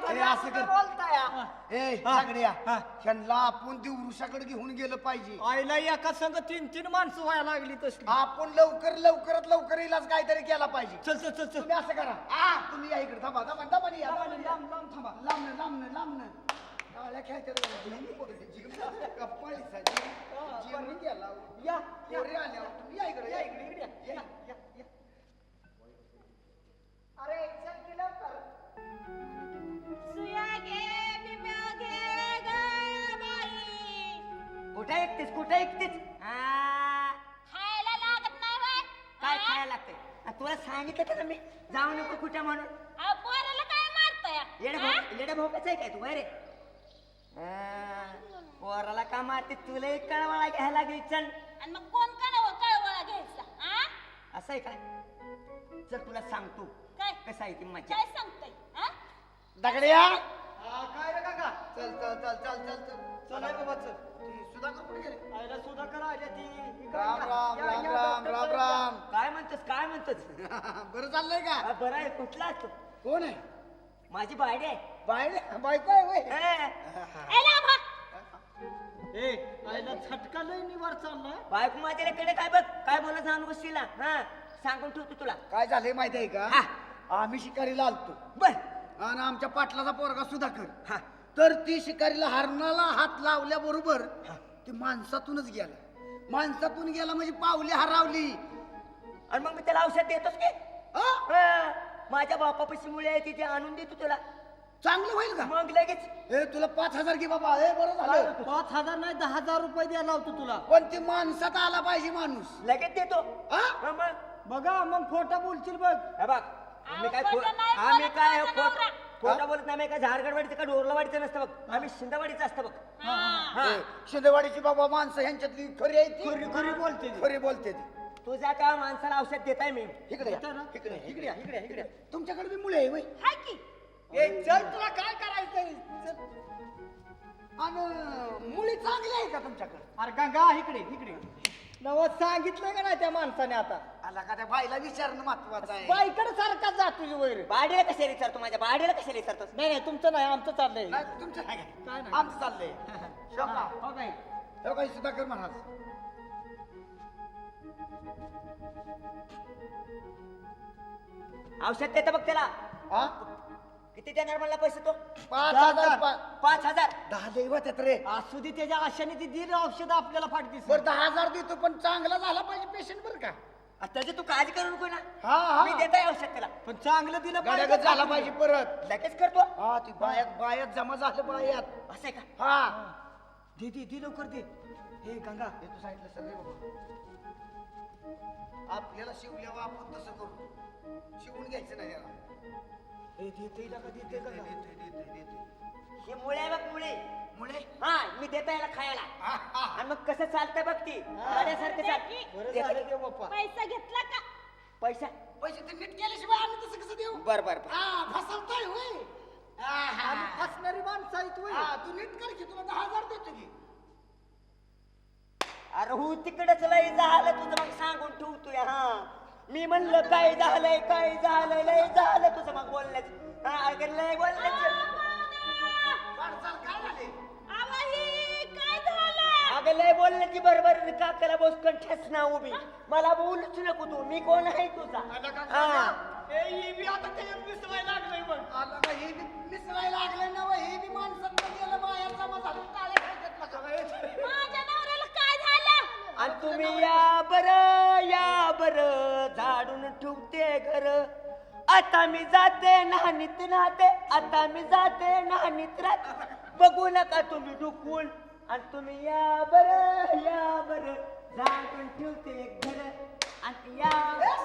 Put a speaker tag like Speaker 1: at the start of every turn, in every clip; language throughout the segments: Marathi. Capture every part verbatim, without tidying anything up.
Speaker 1: हे असं कर बोलताय ए सगळ्या ह्यांना आपण दिवसाकडे घेऊन गेलं पाहिजे.
Speaker 2: आईला एका संग तीन तीन माणसं व्हायला लागली तसली.
Speaker 1: आपण लवकर लवकरात लवकर इलाज काहीतरी केला पाहिजे.
Speaker 2: चल चल चल चल
Speaker 1: तुम्ही असं करा आ तुम्ही या इकडे थांबा थांबा थांबा या
Speaker 2: लांब लांब थांबा.
Speaker 1: लांब लांब लांब गाळ्या खेळतात कप्पाळीसाठी जेवण गेला या पोरी आल्या तुम्ही या इकडे या इकडे इकडे या या या. अरे चल की लवकर.
Speaker 3: सुया घे बिम्या घे ग बाई.
Speaker 4: कुठे एकतीस कुठे एकतीस
Speaker 3: खायला लागत नाही बाय.
Speaker 4: काय खायला लागतंय आ, तुला सांगितलं तर मी जाऊ नको कुठे म्हणून.
Speaker 3: अहो, पोराला काय मारताय?
Speaker 4: येडे भाऊ येडे भाऊकाच आहे काय तू अरे पोराला का मारते तुला एक कळवळा घ्यायला लागली चल.
Speaker 3: आणि मग कोण कळव कळवळा घ्यायचा? हा?
Speaker 4: असं आहे काय चल तुला सांगतो
Speaker 3: काय
Speaker 4: कसं आहे ती मजा.
Speaker 3: काय सांगताय? हा?
Speaker 1: दगड्या
Speaker 2: हा, काय रे काका
Speaker 1: चल चल चल चल चल चल
Speaker 2: चल आहे बाबा चल.
Speaker 1: ती सुधाकर कुठे गेले?
Speaker 2: आईला सुद्धा करा आल्या ती इकडं
Speaker 1: राम
Speaker 2: या.
Speaker 1: राम
Speaker 2: या,
Speaker 1: राम
Speaker 2: या,
Speaker 1: राम
Speaker 2: डॉक्टर
Speaker 1: राम
Speaker 2: साहेब.
Speaker 1: राम.
Speaker 4: काय म्हणतोस काय म्हणतोस
Speaker 1: बरं चाललंय का?
Speaker 4: हा, बरं आहे कुठला असतो
Speaker 1: कोण आहे?
Speaker 4: माझी बायडी आहे
Speaker 1: बाहेर बायको आहे होय?
Speaker 4: हे,
Speaker 3: ए लाभा.
Speaker 2: ए आईला झटका लय निवार चाललाय.
Speaker 4: बायको माझ्याकडे काय बघ काय बोलत जाणू बसशील हा सांगून ठेवतो तुला.
Speaker 1: काय झालंय माहिती आहे का?
Speaker 4: हा.
Speaker 1: आम्ही शिकारीला आलतो
Speaker 4: बर
Speaker 1: आणि आमच्या पाटलाचा पोरगा सुधाकर
Speaker 4: हा
Speaker 1: तर ती शिकारीला हरणाला हात लावल्याबरोबर ती माणसातूनच गेला. माणसातून गेला म्हणजे पावली हरावली.
Speaker 4: आणि मग मी त्याला औषध देतोच की
Speaker 1: हा?
Speaker 4: हा, माझ्या बापापाशी मुळे आहे तिथे आणून देतो तुला
Speaker 1: चांगलं होईल का?
Speaker 4: मग लगेच
Speaker 1: हे तुला पाच हजार घे बाबा. हे बरं झालं.
Speaker 2: पाच हजार नाही दहा हजार रुपये द्यायला होतो तुला.
Speaker 1: पण ती माणसात आला पाहिजे माणूस.
Speaker 4: लगेच देतो
Speaker 1: हा?
Speaker 4: हा, मग
Speaker 2: बघा मग खोटं बोलशील बघ.
Speaker 4: हे बघ आम्ही काय
Speaker 3: खोटं
Speaker 4: खो-
Speaker 3: नाही
Speaker 4: आम्ही
Speaker 3: बोलत
Speaker 4: काय
Speaker 3: माझा
Speaker 4: खोट
Speaker 3: नवरा.
Speaker 4: खोटं बोलत नाही. आम्ही काय झारगडवाडीचं का डोरलावाडीचं नसतं बघ आम्ही शिंदवाडीचं असतं बघ.
Speaker 3: हा.
Speaker 4: हा.
Speaker 1: हे, शिंदेवाडीची बाबा माणसं ह्यांच्यातली खरी आहे ती.
Speaker 2: खरी खरी बोलते ती.
Speaker 1: खरी बोलते ती.
Speaker 4: तुझ्या त्या माणसाला औषध देताय मी.
Speaker 1: इकडे या.
Speaker 2: येतं ना?
Speaker 1: इकडे इकडे या, इकडे या, इकडे या. तुमच्याकडे बी मुळे आहे होय?
Speaker 3: हाय की.
Speaker 2: ए चल तुला काय करायचंय चल.
Speaker 1: आणि मुली चांगली आहे का तुमच्याकडे?
Speaker 2: अरे गंगा इकडे इकडे नव सांगितलंय का नाही त्या माणसाने आता.
Speaker 1: आला का त्या बाईला विचारणं महत्वाचं आहे.
Speaker 2: बाईकडे सारखा जा तुझी वैर.
Speaker 4: बाडीला कशाला विचारतो माझ्या बाडीला कशाला विचारतोस.
Speaker 2: नाही नाही तुमचं नाही आमचं चाललंय.
Speaker 1: नाही, तुमचं नाही
Speaker 2: काय
Speaker 1: काय?
Speaker 2: नाही.
Speaker 1: आमचं चाललंय. शोभा.
Speaker 2: हो काय
Speaker 1: हो काही सुधाकर म्हणाल.
Speaker 4: औषध देतं बघ त्याला.
Speaker 1: हा?
Speaker 4: किती देणार म्हणला पैसे तो.
Speaker 1: पाच
Speaker 2: दहा
Speaker 1: हजार
Speaker 2: हजार.
Speaker 1: पा-
Speaker 4: पाच हजार.
Speaker 1: दहा दैव त्यात रे.
Speaker 2: असू दे त्याच्या आशाने ती दिली औषध आपल्याला फाटतीस.
Speaker 1: बरं दहा हजार देतो पण चांगला झाला पाहिजे पेशंट बरं का?
Speaker 4: आता त्याची तू काळजी करू नको ना.
Speaker 1: हा हा
Speaker 4: मी देताय औषध त्याला.
Speaker 2: पण चांगलं दिलं
Speaker 1: गाड्यागत झाला पाहिजे परत.
Speaker 4: लगेच करतो.
Speaker 1: हा ती बायात बायात जमा झालं बायात.
Speaker 4: असं आहे का.
Speaker 1: हा
Speaker 2: दे दे दे लवकर दे. हे गंगा
Speaker 1: हे तू सांगितलं सगळे बाबा. आपल्याला शिवल्यावर आपण तसं करू. शिवून घ्यायचं नाही याला.
Speaker 2: हे देते का देते
Speaker 1: देते,
Speaker 2: गंगा.
Speaker 1: देते, देते, देते.
Speaker 4: ही मुळे आहे बघ मुळे.
Speaker 1: मुळे
Speaker 4: हा मी देता याला खायला.
Speaker 1: हा, हा.
Speaker 4: आणि मग कसं चालतंय बघ ती गाड्यासारखं चाल.
Speaker 2: बरं
Speaker 4: देते
Speaker 2: झालं
Speaker 4: की?
Speaker 2: देव बाप्पा.
Speaker 3: पैसा घेतला का?
Speaker 4: पैसा
Speaker 1: पैसे ते नीट केल्याशिवाय आम्ही तसं कसं देऊ?
Speaker 4: बर बर बर.
Speaker 1: हा फसवताय होय. हा, हा.
Speaker 2: आम्ही फसणारी माणसं आहेत वय.
Speaker 1: हा, तू नीट कर की तुला दहा हजार देतो की.
Speaker 4: अरे हो तिकडच लय झालं तुझं मग सांगून ठेवतोय. हा मी म्हणलं काय झालंय काय झालंय लय झालं तुझं मग बोलण्याच. हा अगं लय बोलण्याच.
Speaker 1: वाटचाल काय झाले?
Speaker 3: आवा ही काय झालं?
Speaker 4: अगं लय बोलण्याची बरोबर काकाला बोसकन ठेस ना उभी. मला बोलूच नको तू. मी कोण आहे तुझा. हा
Speaker 2: ए, ही बी आता त्याच्यात मिसळायला लागलंय बघ.
Speaker 1: आला का हे बी मिसळायला लागले ना वय. हे बी माणसात गेलं बाया जमा झालं काळे खायच्यात नका.
Speaker 3: माझ्या नवऱ्याला काय झालं?
Speaker 4: आणि तुम्ही या बर या बर झाडून ठेवते घर. आता मी जाते नाहनीत राहते. आता मी जाते नाहनीत राहते. बघू नका तुम्ही डुकून. आणि तुम्ही या बर या बर झाडून ठेवते घर. आणि या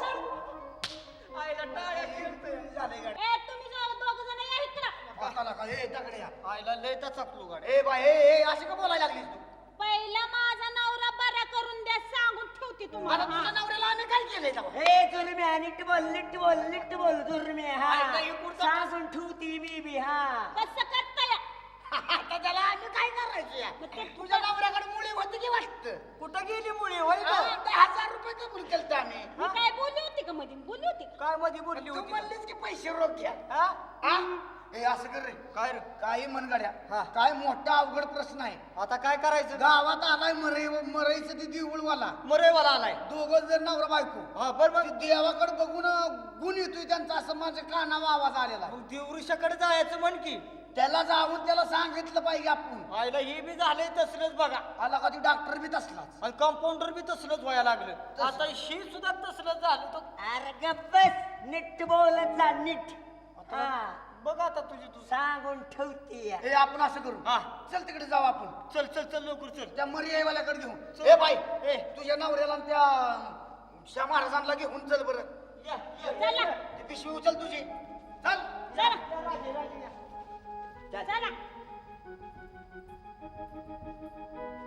Speaker 2: आईला टाळ्या खेळतोय.
Speaker 1: झालंय गाडी.
Speaker 3: ए तुम्ही दोघ जण या इकडं.
Speaker 1: आता का हे दगड्या.
Speaker 2: आईला लय चकलो गाडी.
Speaker 1: ए बाय ए ए अशी का बोलायला लागलीस तू?
Speaker 3: पहिला माझा नवरा बरा करून द्या सांगून ठेवते
Speaker 1: आता
Speaker 3: तुम्हाला.
Speaker 1: तुझ्या नवऱ्याला आम्ही काय केलंय तेव्हा?
Speaker 4: हे जुलम्या नीट बोल नीट बोल नीट बोल जुलम्या. हा
Speaker 1: ऐका, हे पुढचं-
Speaker 4: सांगून ठेवती मी बी. हा
Speaker 3: कसं करताय?
Speaker 1: आता त्याला आम्ही काय करायचं या? तुझ्या नवऱ्याकडे मुली होती की वाटतं?
Speaker 2: कुठं गेली मुळे होय
Speaker 1: हा,
Speaker 2: का?
Speaker 1: ते हजार रुपये कबूल केलतं आम्ही.
Speaker 3: मी काय बोलली होती का मध्ये? बोलली होती का?
Speaker 2: काय मध्ये बोलली
Speaker 1: तू
Speaker 2: होती?
Speaker 1: म्हणलीस की पैसे रोख घ्या.
Speaker 2: हा?
Speaker 1: हा? ए असं कर रे
Speaker 2: काय रे
Speaker 1: काही मनगड्या
Speaker 2: हा.
Speaker 1: काय मोठा अवघड प्रश्न आहे
Speaker 2: आता काय करायचं
Speaker 1: गावात आलाय मरे मराईचं ते देऊळवाला
Speaker 2: मरेवाला आलाय
Speaker 1: दोघं जर नवरा बायको
Speaker 2: हा बर मग
Speaker 1: ते देवाकडे बघून गुण येतोय त्यांचा असं माझ्या कानावा आवाज आलेला आहे.
Speaker 2: मग देवऋषाकडे जायचं म्हण की
Speaker 1: त्याला जाऊन त्याला सांगितलं पाहिजे आपण
Speaker 2: आईला हे बी झालंय तसलंच बघा
Speaker 1: आला का ती डॉक्टर बी तसलाच
Speaker 2: आणि कंपाऊंडर बी तसलंच व्हायला लागलं आता ही सुद्धा तसलंच झालं तो
Speaker 4: अरे गप्पस नीट बोलत जा नीट हा
Speaker 2: बघ आता तुझी तू
Speaker 4: सांगून ठेवते
Speaker 1: हे आपण असं करू
Speaker 2: हा.
Speaker 1: चल तिकडे जाऊ आपण
Speaker 2: चल चल चल लवकर चल
Speaker 1: त्या मरियावाल्याकडे घेऊन
Speaker 2: चल.
Speaker 1: ए बाई
Speaker 2: ए.
Speaker 1: तुझ्या नवऱ्याला आणि त्या श्या महाराजांना घेऊन चल बरं
Speaker 2: या, या.
Speaker 3: चला
Speaker 1: ती पिशवी उचल तुझी चल
Speaker 3: चला चला